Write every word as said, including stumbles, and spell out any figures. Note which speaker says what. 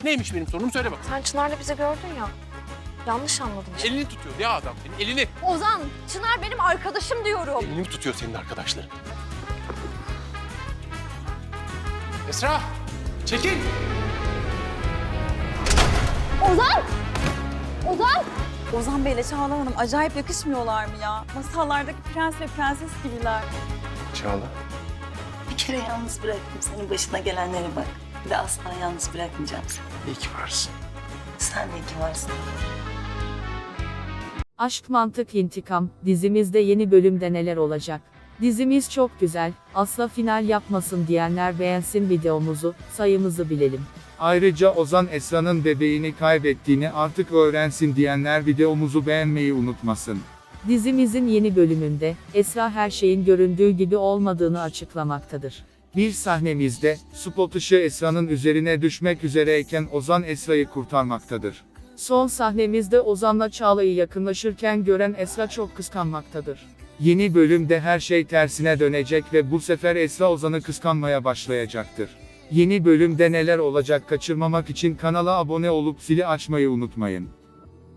Speaker 1: Neymiş benim sorunum söyle bak.
Speaker 2: Sen Çınar'la bizi gördün ya. Yanlış anladım işte.
Speaker 1: Elini tutuyor ya adam senin elini.
Speaker 2: Ozan, Çınar benim arkadaşım diyorum.
Speaker 1: Elini mi tutuyor senin arkadaşların? Esra! Çekil!
Speaker 2: Ozan! Ozan!
Speaker 3: Ozan Bey'le Çağla Hanım acayip yakışmıyorlar mı ya? Masallardaki prens ve prenses gibiler.
Speaker 1: Çağla.
Speaker 4: Bir kere yalnız bıraktım senin başına gelenlere bak. Bir de asla yalnız bırakmayacağım seni.
Speaker 1: İyi ki varsın.
Speaker 4: Sen de iyi ki varsın.
Speaker 5: Aşk Mantık İntikam dizimizde yeni bölümde neler olacak? Dizimiz çok güzel, asla final yapmasın diyenler beğensin videomuzu, sayımızı bilelim.
Speaker 6: Ayrıca Ozan Esra'nın bebeğini kaybettiğini artık öğrensin diyenler videomuzu beğenmeyi unutmasın.
Speaker 5: Dizimizin yeni bölümünde, Esra her şeyin göründüğü gibi olmadığını açıklamaktadır.
Speaker 6: Bir sahnemizde, spot ışığı Esra'nın üzerine düşmek üzereyken Ozan Esra'yı kurtarmaktadır.
Speaker 5: Son sahnemizde Ozan'la Çağla'yı yakınlaşırken gören Esra çok kıskanmaktadır.
Speaker 6: Yeni bölümde her şey tersine dönecek ve bu sefer Esra Ozan'ı kıskanmaya başlayacaktır. Yeni bölümde neler olacak kaçırmamak için kanala abone olup zili açmayı unutmayın.